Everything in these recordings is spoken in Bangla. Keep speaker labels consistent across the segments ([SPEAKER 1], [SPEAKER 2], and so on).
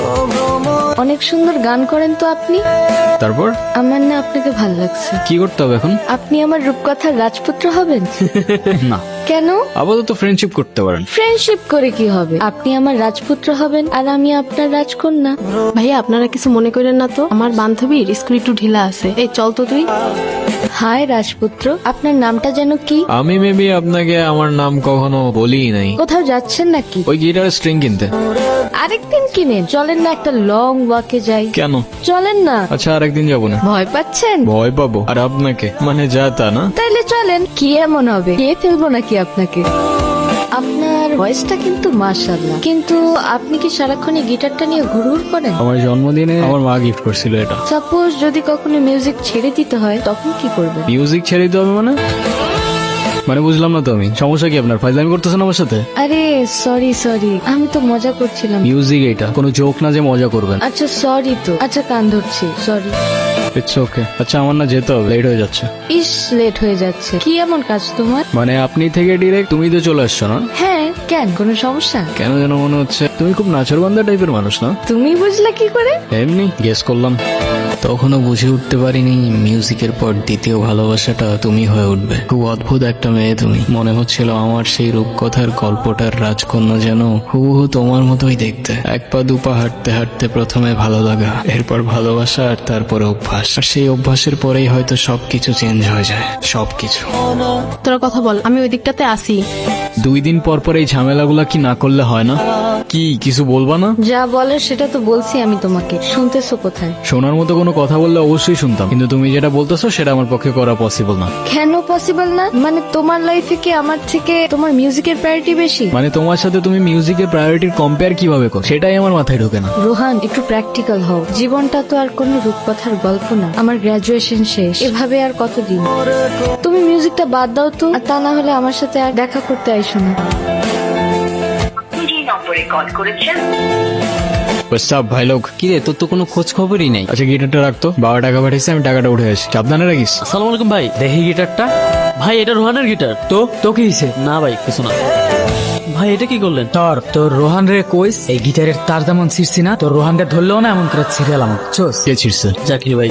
[SPEAKER 1] অনেক সুন্দর গান করেন তো আপনি।
[SPEAKER 2] তারপর
[SPEAKER 1] আমার না আপনাকে ভাল লাগছে।
[SPEAKER 2] কি করতে হবে এখন?
[SPEAKER 1] আপনি আমার রূপকথার রাজপুত্র হবেন।
[SPEAKER 2] না,
[SPEAKER 1] কেন?
[SPEAKER 2] আপাতত ফ্রেন্ডশিপ করতে পারেন।
[SPEAKER 1] ফ্রেন্ডশিপ করে কি হবে? আপনি আমার রাজপুত্র হবেন আর আমি আপনার রাজকন্যা।
[SPEAKER 3] ভাইয়া আপনারা কিছু মনে করেন না তো, আমার বান্ধবীর স্কুল একটু ঢিলা আছে, এই চল তো তুই।
[SPEAKER 1] হায় রাজপুত্র, আপনার নামটা যেন কি?
[SPEAKER 2] আমি মেবি আপনাকে আমার নাম কখনো বলি নাই।
[SPEAKER 1] কোথাও যাচ্ছেন নাকি?
[SPEAKER 2] ওই গিটারের স্ট্রিং কিনতে।
[SPEAKER 1] আরেকদিন কিনেন, চলেন না একটা লং ওয়াকে যাই।
[SPEAKER 2] কেন?
[SPEAKER 1] চলেন না।
[SPEAKER 2] আচ্ছা আরেকদিন যাবো না।
[SPEAKER 1] ভয় পাচ্ছেন?
[SPEAKER 2] ভয় পাবো আর আপনাকে? মানে যা তা না।
[SPEAKER 1] তাইলে চলেন। কি এমন হবে, কে ফেলবো নাকি আপনাকে? আপনার ভয়েসটা কিন্তু মাশাআল্লাহ, কিন্তু আপনি কি সারাক্ষণ এই গিটারটা নিয়ে ঘুরঘুর করেন?
[SPEAKER 2] আমার জন্মদিনে আমার মা গিফট করছিল এটা।
[SPEAKER 1] সাপোজ যদি কখনো মিউজিক ছেড়ে দিতে হয় তখন কি করবেন?
[SPEAKER 2] মিউজিক ছেড়ে দিতে হবে মানে? মানে বুঝলাম না তো আমি। সমস্যা কি আপনার? ফাইজলামি করতেছেন আমার সাথে?
[SPEAKER 1] আরে সরি, আমি তো মজা করছিলাম।
[SPEAKER 2] মিউজিক এটা কোনো জোক না যে মজা করবেন।
[SPEAKER 1] আচ্ছা সরি তো, আচ্ছা কান ধরছি, সরি।
[SPEAKER 2] It's okay. আচ্ছা আমার না যেতে হবে, লেট হয়ে যাচ্ছে।
[SPEAKER 1] ইস, লেট হয়ে যাচ্ছে। কি এমন কাজ তোমার?
[SPEAKER 2] মানে আপনি থেকে ডিরেক্ট তুমি তো চলে আসছো না?
[SPEAKER 1] হ্যাঁ, কেন, কোনো সমস্যা?
[SPEAKER 2] কেন যেন মনে হচ্ছে তুমি খুব নাচরবান্ধা টাইপের মানুষ না?
[SPEAKER 1] তুমি বুঝলে কি করে?
[SPEAKER 2] এমনি গেস করলাম। তখনও বুঝে উঠতে পারিনি মিউজিকের পর দ্বিতীয় ভালোবাসাটা তুমি হয়ে উঠবে। খুব অদ্ভুত একটা মেয়ে তুমি। মনে হচ্ছিল আমার সেই রূপকথার গল্পটার রাজকন্যা যেন হুবহু তোমার মতোই দেখতে। এক পা দুপা হাঁটতে হাঁটতে প্রথমে ভালো লাগা, এরপর ভালোবাসা, আর তারপরে অভ্যাস। আর সেই অভ্যাসের পরেই হয়তো সবকিছু চেঞ্জ হয়ে যায়, সবকিছু।
[SPEAKER 3] তোরা কথা বল, আমি ওই দিকটাতে আসি।
[SPEAKER 2] 2 দিন পর পর এই ঝামেলাগুলা কি না করলে হয় না? কি কিছু বলবা না?
[SPEAKER 1] যা বলার সেটা তো বলছি আমি তোমাকে, শুনতেছো কোথায়?
[SPEAKER 2] শোনার মতো কোনো কথা বললে অবশ্যই শুনতাম, কিন্তু তুমি যেটা বলতেছো সেটা আমার পক্ষে করা পসিবল না।
[SPEAKER 1] কেন পসিবল না? মানে তোমার লাইফে কি আমার থেকে তোমার মিউজিকের প্রায়োরিটি বেশি?
[SPEAKER 2] মানে তোমার সাথে তুমি মিউজিকের প্রায়োরিটির কম্পেয়ার কিভাবে করো সেটাই আমার মাথায় ঢোকে না।
[SPEAKER 1] রোহান, একটু প্র্যাকটিক্যাল হও। জীবনটা তো আর কোনো রূপকথার গল্প না। আমার গ্রাজুয়েশন শেষ, এভাবে আর কতদিন? তুমি মিউজিকটা বাদ দাও তো, আর তা না হলে আমার সাথে আর দেখা করতে আইসো না।
[SPEAKER 4] যে নম্বরে কল করেছেন
[SPEAKER 2] সব ভাই লোক।
[SPEAKER 5] কি রে, তোর তো কোনো খোঁজ খবরই নেই।
[SPEAKER 2] আচ্ছা গিটারটা রাখতো, বাবা টাকা পাঠিয়েছে, আমি টাকাটা উঠে আসি। সাবধানে রাখিস।
[SPEAKER 5] আসসালামু আলাইকুম ভাই, দেখি গিটারটা। ভাই এটা রোহানের গিটার। তো কি হয়েছে? না ভাই কিছু না। ভাই এটা কি করলেন?
[SPEAKER 6] তোর রোহান রে কইস এই গিটারের তার যেমন ছিড়ছি না, তোর রোহানকে ধরলেও না এমন করে ছিড়াল আমার।
[SPEAKER 2] কে ছিড়ছে?
[SPEAKER 5] জাকির ভাই।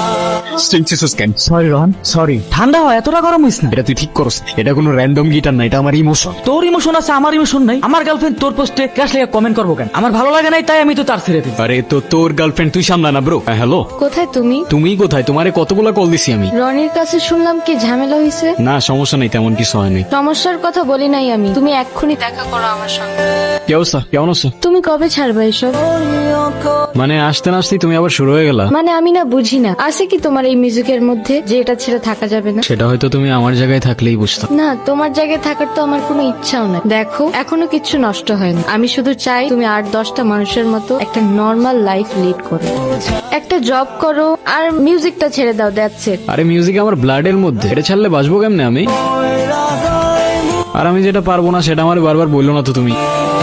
[SPEAKER 6] Sorry Rohan, sorry. ঠান্ডা হয়, এতটা গরম হইস না।
[SPEAKER 2] এটা তুই ঠিক করস। এটা কোনো র্যান্ডম গিটার না, এটা আমার ইমোশন।
[SPEAKER 6] তোর ইমোশন আছে, আমার ইমোশন নাই। আমার গার্লফ্রেন্ড তোর পোস্টে ক্রাশ লেগে কমেন্ট করবো কেন? আমার ভালো লাগে নাই তাই আমি তো তার ছেড়ে দিই।
[SPEAKER 2] আরে তো তোর গার্লফ্রেন্ড তুই সামলা না ব্রো। হ্যালো,
[SPEAKER 1] কোথায় তুমি?
[SPEAKER 2] তুমি কোথায়? তোমারে কতগুলা কল দিছি আমি।
[SPEAKER 1] রনির কাছে শুনলাম কি ঝামেলা হয়েছে।
[SPEAKER 2] না সমস্যা নেই, তেমন কিছু হয়নি।
[SPEAKER 1] সমস্যার কথা বলি নাই আমি, তুমি এক্ষুনি দেখা করো আমার সঙ্গে।
[SPEAKER 2] কি অবস্থা, কেমন আছো?
[SPEAKER 1] তুমি কবে ছাড়বে এসব?
[SPEAKER 2] মানে আসতে না আসতেই তুমি আবার শুরু হয়ে গেলা।
[SPEAKER 1] মানে আমি না বুঝি না, আছে কি তোমার এই মিউজিকের মধ্যে যে এটা ছেড়ে থাকা যাবে না?
[SPEAKER 2] সেটা হয়তো তুমি আমার জায়গায় থাকলেই বুঝতাম।
[SPEAKER 1] না, তোমার জায়গায় থাকার তো আমার কোনো ইচ্ছাও নাই। দেখো, এখনো কিচ্ছু নষ্ট হয়নি। আমি শুধু চাই তুমি 8-10টা মানুষের মতো একটা নর্মাল লাইফ লিড করো, একটা জব করো, আর মিউজিকটা ছেড়ে দাও। That's it.
[SPEAKER 2] আরে মিউজিক আমার ব্লাডের মধ্যে, এটা ছাড়লে বাঁচবো কেমনে আমি? আর আমি যেটা পারবো না সেটা আমার বারবার বললো না তো তুমি।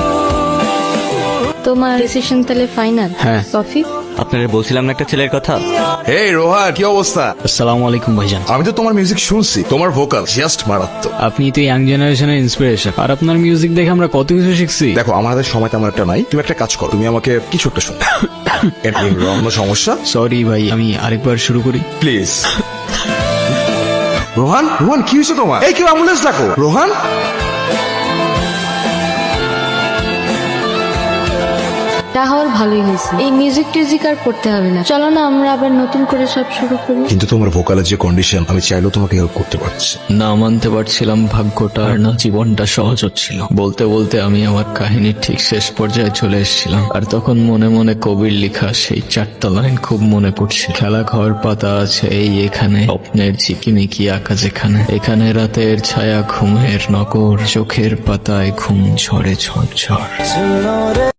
[SPEAKER 1] তোমার ডিসিশন তাহলে ফাইনাল?
[SPEAKER 2] হ্যাঁ।
[SPEAKER 1] কফি?
[SPEAKER 5] আপনারা বলছিলাম না একটা ছেলের কথা।
[SPEAKER 7] এই রোহান, কি অবস্থা?
[SPEAKER 2] আসসালামু আলাইকুম ভাইজান।
[SPEAKER 7] আমি তো তোমার মিউজিক শুনছি, তোমার ভোকাল জাস্ট মারাত্মক।
[SPEAKER 2] আপনি তো ইয়াং জেনারেশনের ইন্সপিরেশন, আর আপনার মিউজিক দেখে আমরা কত কিছু শিখছি।
[SPEAKER 7] দেখো আমার হাতে সময় তেমন একটা নাই, তুমি একটা কাজ করো, তুমি আমাকে কিছু একটা শোনো। কোনো সমস্যা?
[SPEAKER 2] সরি ভাই, আমি আরেকবার শুরু করি
[SPEAKER 7] প্লিজ। রোহান, রোহান কি হয়েছে তোমার? এই কেউ অ্যাম্বুলেন্স ডাকো। রোহান,
[SPEAKER 1] তাহলে ভালোই হয়েছে। এই মিউজিক টিউজিক আর করতে হবে না। চলো না আমরা আবার নতুন করে সব শুরু করি।
[SPEAKER 7] কিন্তু তোমার ভোকালের যে কন্ডিশন, আমি চাইলেও তোমাকে হেল্প করতে পারছি।
[SPEAKER 2] না মানতে পারছিলাম ভাগ্যটা, আর না জীবনটা সহজ হচ্ছিল। বলতে বলতে আমি আমার কাহিনীর ঠিক শেষ পর্যায়ে চলে এসেছিলাম, আর তখন মনে মনে কবির লেখা সেই 4টা লাইন খুব মনে পড়ছে। খেলা ঘর পাতা আছে এই এখানে, স্বপ্নের ঝিকিমিকি আঁকা যেখানে, এখানে রাতের ছায়া ঘুমের নগর, চোখের পাতায় ঘুম ঝরে ঝড় ঝড়।